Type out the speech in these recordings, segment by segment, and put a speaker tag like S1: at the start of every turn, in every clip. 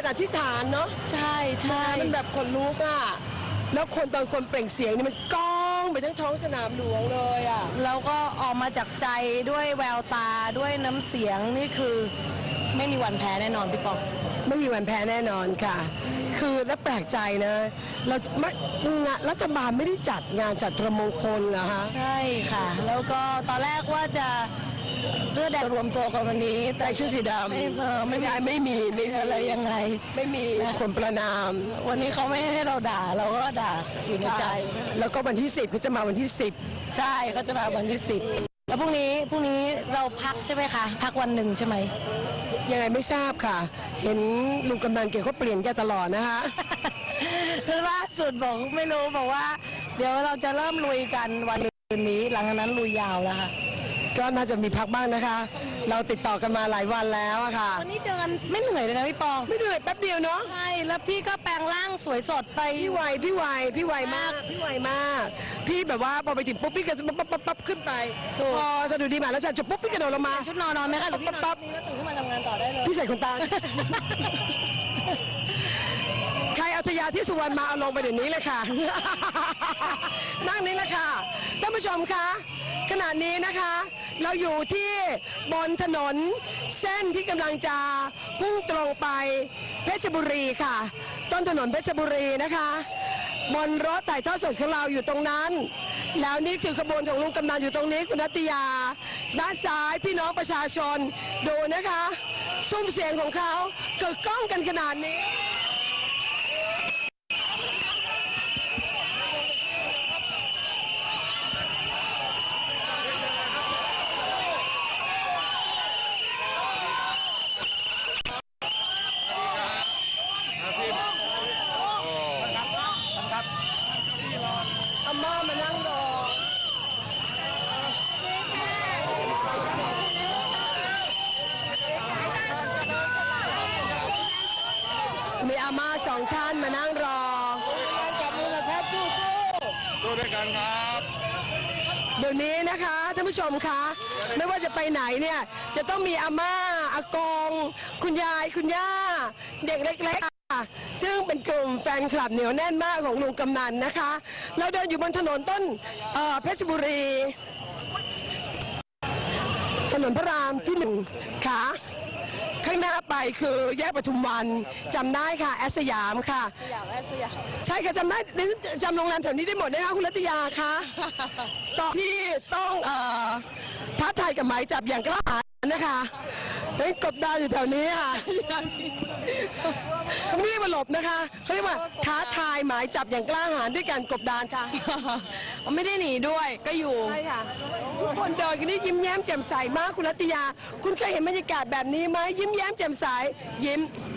S1: อธิษฐานเนาะ
S2: ใช่ใช่
S1: มันแบบขนลุกอ่ะแล้วคนตอนคนเปล่งเสียงนี่มันก้องไปทั้งท้องสนามหลวงเลยอ่ะ
S2: แล้วก็ออกมาจากใจด้วยแววตาด้วยน้ำเสียงนี่คือไม่มีวันแพ้แน่นอนพี่ปอง
S1: ไม่มีวันแพ้แน่นอนค่ะคือแล้วแปลกใจนะเรารัฐบาลไม่ได้จัดงานฉัตรมงคลเหรอคะ
S2: ใช่ค่ะแล้วก็ตอนแรกว่าจะเลือดแดงรวมตัวกันวันนี้
S1: แต่ชุดสีดำไม่มี
S2: อะไรยังไง
S1: ไม่มีคนประนาม
S2: วันนี้เขาไม่ให้เราด่าเราก็ด่าอยู่ในใจ
S1: แล้วก็วันที่10เขาจะมาวันที่10
S2: ใช่เขาจะมาวันที่10แล้วพรุ่งนี้เราพักใช่ไหมคะพักวันหนึ่งใช่ไหม
S1: ยังไงไม่ทราบค่ะเห็นลุงกำนันเกี่ยวเขาเปลี่ยนแกตลอดนะคะ
S2: ล่าสุดบอกไม่รู้บอกว่าเดี๋ยวเราจะเริ่มลุยกันวันนี้หลังจากนั้นลุยยาวแล้วค่ะ
S1: ก็น่าจะมีพักบ้างนะคะเราติดต่อกันมาหลายวันแล้วอะค่ะ
S2: วันนี้เดินไม่เหนื่อยเลยนะพี่ปอง
S1: ไม่เหนื่อยแป๊บเดียวเนาะ
S2: ใช่แล้วพี่ก็แปลงร่างสวยสดไป
S1: พี่ไวมากพี่แบบว่าพอไปถึงปุ๊บพี่ก็จะปั๊บขึ้นไปพอสะดุดีมาแล้วจะจบปุ๊บพี่กระโดดลงมา
S2: ชุดนอนไหมคะหรือพี่ปั๊บนี่แล้วตื่นขึ้นมาทำงานต่อได้เลย
S1: พี่ใส่ขนตาใครเอาทยาที่สุวรรณมาเอาลงไปเดี๋ยวนี้เลยค่ะนั่งนี้แหละค่ะท่านผู้ชมคะขณะนี้นะคะเราอยู่ที่บนถนนเส้นที่กำลังจะพุ่งตรงไปเพชรบุรีค่ะต้นถนนเพชรบุรีนะคะบนรถถ่ายทอดสดของเราอยู่ตรงนั้นแล้วนี่คือขบวนของลุงกำนันอยู่ตรงนี้คุณนัตยาด้านซ้ายพี่น้องประชาชนดูนะคะซุ้มเสียงของเขาเกิดก้องกันขนาดนี้อาม่ามานั่งรอมีอาม่า2 ท่านมานั่งรอ
S3: จับมือเลยครับสู้ด้วยกันครับ
S1: เดี๋ยวนี้นะคะท่านผู้ชมคะไม่ว่าจะไปไหนเนี่ยจะต้องมีอาม่าอากงคุณยายคุณย่าเด็กเล็กๆซึ่งเป็นกลุ่มแฟนคลับเหนียวแน่นมากของลุงกำนันนะคะเราเดินอยู่บนถนนต้นเพชรบุรีถนนพระรามที่1ค่ะข้างหน้าไปคือแยกปทุมวันจำได้ค่ะแอสยามค่ะใช่ค่ะจำได้จำโรงแรมแถวนี้ได้หมดนะคะคุณรัตยาคะต่อที่ต้องท้าทายกับหมายจับอย่างกล้าหาญนะคะเป็นกบดานอยู่แถวนี้ค่ะเขาไม่เรียกว่าหลบนะคะเขาเรียกว่าท้าทายหมายจับอย่างกล้าหาญด้วยการกบดานค่ะ
S2: ไม่ได้หนีด้วยก็อยู่
S1: ใช่ค่ะทุกคนเดินกันนี่ยิ้มแย้มแจ่มใสมากคุณรัตยาคุณเคยเห็นบรรยากาศแบบนี้ไหมยิ้มแย้มแจ่มใสยิ้ม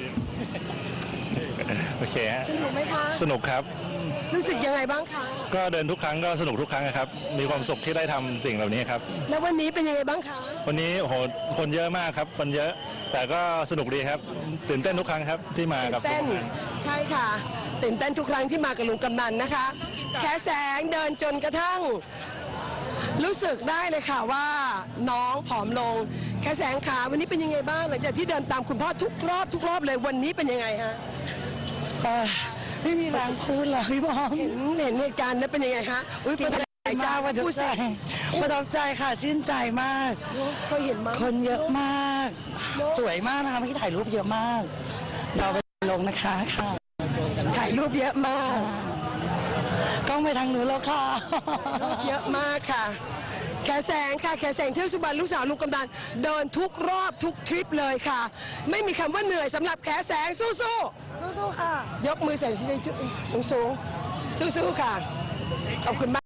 S3: โอเคฮะ
S1: สนุกไหมคะ
S3: สนุกครับ
S1: รู้สึกยังไงบ้างคะ
S3: ก็เดินทุกครั้งก็สนุกทุกครั้งครับมีความสุขที่ได้ทำสิ่งเหล่านี้ครับ
S1: แล้ววันนี้เป็นยังไงบ้างคะ
S3: วันนี้โหคนเยอะมากครับคนเยอะแต่ก็สนุกดีครับตื่นเต้นทุกครั้งครับที่มากับ
S1: เต้นใช่ค่ะตื่นเต้นทุกครั้งที่มากับลุงกำนันนะคะแขแสงเดินจนกระทั่งรู้สึกได้เลยค่ะว่าน้องผอมลงแขแสงขาวันนี้เป็นยังไงบ้างหลังจากที่เดินตามคุณพ่อทุกรอบเลยวันนี้เป็นยังไงฮะ
S2: ไม่มีแรงพูดเลยพี่บอง
S1: เห็นเหตุการณ์นั้นเป็นยังไงฮะ
S2: ประทับใจจ้าประทับใจค่ะชื่นใจมาก
S1: เคยเห็นมั้ย
S2: คนเยอะมากสวยมากนะคะไม่ถ่ายรูปเยอะมากเราไปลงนะคะค่ะ
S1: ถ่ายรูปเยอะมาก
S2: กล้องไปทางนู้นแล้วค่ะ
S1: เยอะมากค่ะแขแสงค่ะแขแสงเทือกสุบรรณลูกสาวลุงกำนันเดินทุกรอบทุกทริปเลยค่ะไม่มีคำว่าเหนื่อยสำหรับแขแสงสู้
S2: ค่ะ
S1: ยกมือใส่สูงสู้ค่ะขอบคุณมาก